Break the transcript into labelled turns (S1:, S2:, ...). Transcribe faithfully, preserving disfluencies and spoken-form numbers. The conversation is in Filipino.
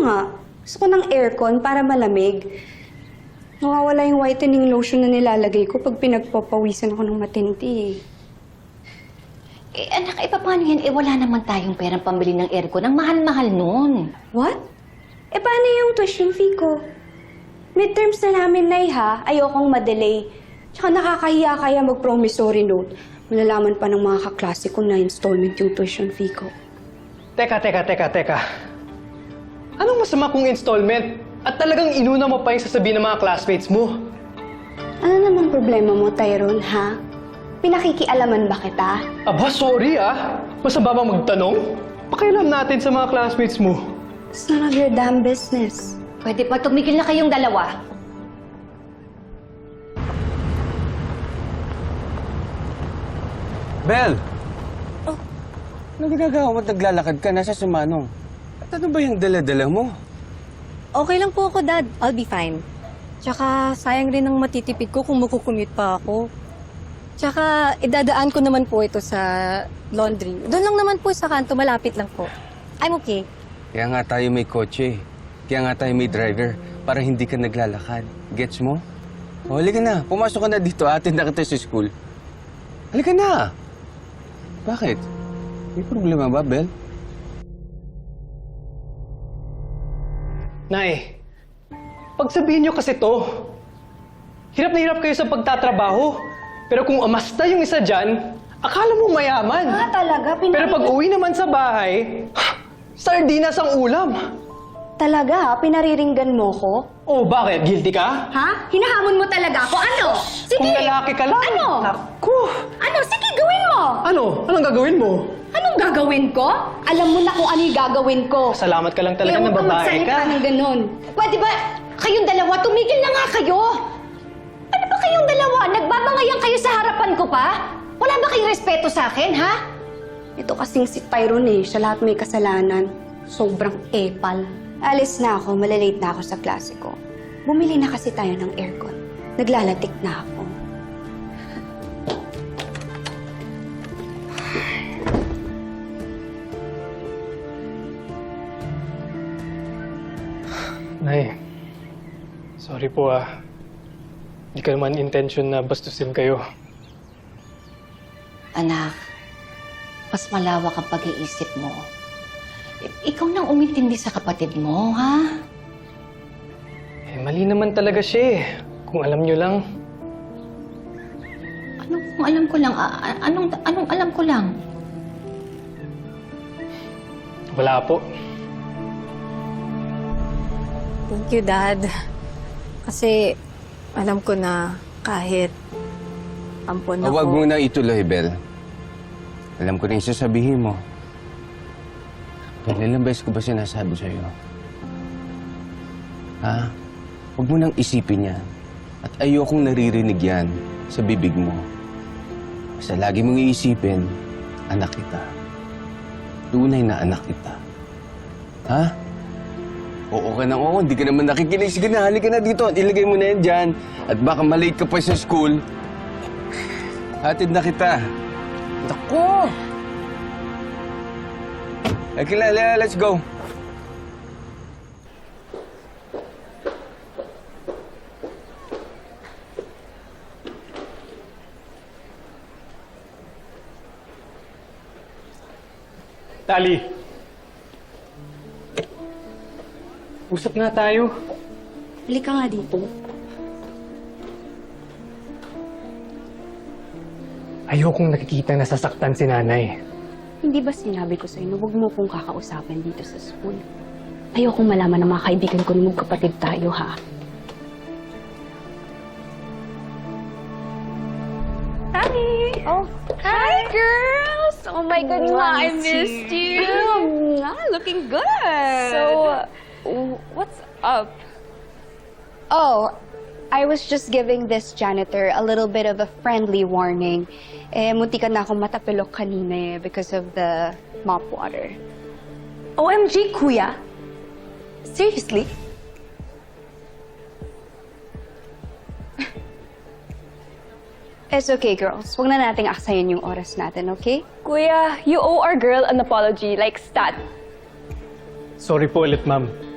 S1: nga. Gusto ko ng aircon para malamig. Nawawala yung whitening lotion na nilalagay ko pag pinagpapawisan ako ng matindi eh.
S2: Eh, anak, eh, paano yan? Eh, wala naman tayong perang pambili ng aircon. Ang mahal-mahal nun.
S1: What? Eh, paano yung tuition fee ko? Midterms na namin, Nay, ha? Ayokong madelay. Tsaka nakakahiya kaya mag-promissory note. Malalaman pa ng mga kaklase ko na installment yung tuition fee ko.
S3: Teka, teka, teka, teka. Anong masama kung installment? At talagang inuna mo pa yung sasabihin ng mga classmates mo?
S1: Ano namang problema mo, Tyrone, ha? Pinakikialaman ba kita?
S3: Aba, sorry ah. Masama ba magtanong? Pakialam natin sa mga classmates mo.
S1: It's none of your damn business.
S2: Pwede pa tumigil na kayong dalawa.
S4: Bel! Oh, anong ginagawa mo at naglalakad ka? Nasa sumanong. At ano ba yung dala-dala mo?
S5: Okay lang po ako, Dad. I'll be fine. Tsaka, sayang rin ang matitipid ko kung makukumute pa ako. Tsaka, idadaan ko naman po ito sa laundry. Doon lang naman po sa kanto, malapit lang po. I'm okay.
S4: Kaya nga tayo may kotse. Kaya nga tayo may driver. Para hindi ka naglalakad. Gets mo? O, halika na. Pumasok ka na dito. Atin na kita sa school. Halika na! Bakit? May problema ba, Bel?
S3: Nay, pagsabihin niyo kasi to. Hirap na hirap kayo sa pagtatrabaho. Pero kung amasta yung isa dyan, akala mo mayaman.
S1: Ah, talaga? Pinag-
S3: Pero pag uwi naman sa bahay, sardinas ang ulam.
S1: Talaga, ha? Pinariringgan mo ko?
S3: Oh, bakit? Guilty ka?
S1: Ha? Hinahamon mo talaga ako? Ano? Sige!
S3: Kung lalaki ka lang.
S1: Ano?
S3: Naku!
S1: Ano? Sige, gawin mo!
S3: Ano? Anong gagawin mo?
S1: Anong gagawin ko? Alam mo na kung ano yung gagawin ko.
S3: Salamat ka lang talaga na
S1: Huwag kang
S3: babae
S1: magsalita
S3: ka.
S1: ng ganun.
S2: Pwede ba kayong dalawa? Tumigil na nga kayo! Ano ba kayong dalawa? Nagbabangayan kayo sa harapan ko pa? Wala ba kayong respeto sa akin, ha?
S1: Ito kasing si Tyrone eh. Siya lahat may kasalanan. Sobrang epal. Alis na ako. Malalate na ako sa klase ko. Bumili na kasi tayo ng aircon. Naglalatik na ako.
S3: Nay, sorry po ah. Hindi ka naman intention na bastusin kayo.
S2: Anak, mas malawak ang pag-iisip mo. I- ikaw nang umintindi sa kapatid mo, ha?
S3: Eh, mali naman talaga siya eh. Kung alam niyo lang.
S2: Anong kung alam ko lang? A- a- anong, anong alam ko lang?
S3: Wala po.
S5: Thank you, Dad. Kasi, alam ko na kahit ampon ako.
S4: Huwag mo na ituloy, Bel. Alam ko na yung sasabihin mo. Bel, ilang beses ko ba sinasabi sa'yo? Ha? Huwag mo nang isipin yan. At ayokong naririnig yan sa bibig mo. Basta lagi mong iisipin, anak kita. Tunay na anak kita. Ha? Oo ka nang oo, hindi ka naman nakikinig. Sige na, halika na dito at ilagay mo na yan dyan. At baka malate ka pa sa school. Hatid na kita. Naku! Okay, let's go.
S3: Tali. Usap nga tayo.
S1: Halika nga dito.
S3: Ayokong nakikita na sasaktan si nanay.
S1: Hindi ba sinabi ko sa'yo na huwag mo kong kakausapin dito sa school? Ayokong malaman ng mga kaibigan ko na magkapatid tayo, ha? Hi! Oh, hi, girls! Oh my God, Ma, I missed you! Mwah, looking good!
S6: So, uh, what's up?
S1: Oh, I was just giving this janitor a little bit of a friendly warning. Eh, muntikan na akong matapilok kanina eh because of the mop water.
S6: O M G, kuya? Seriously?
S1: It's okay, girls. Huwag na nating aksayin yung oras natin, okay?
S6: Kuya, you owe our girl an apology, like stat.
S3: Sorry po ulit, ma'am.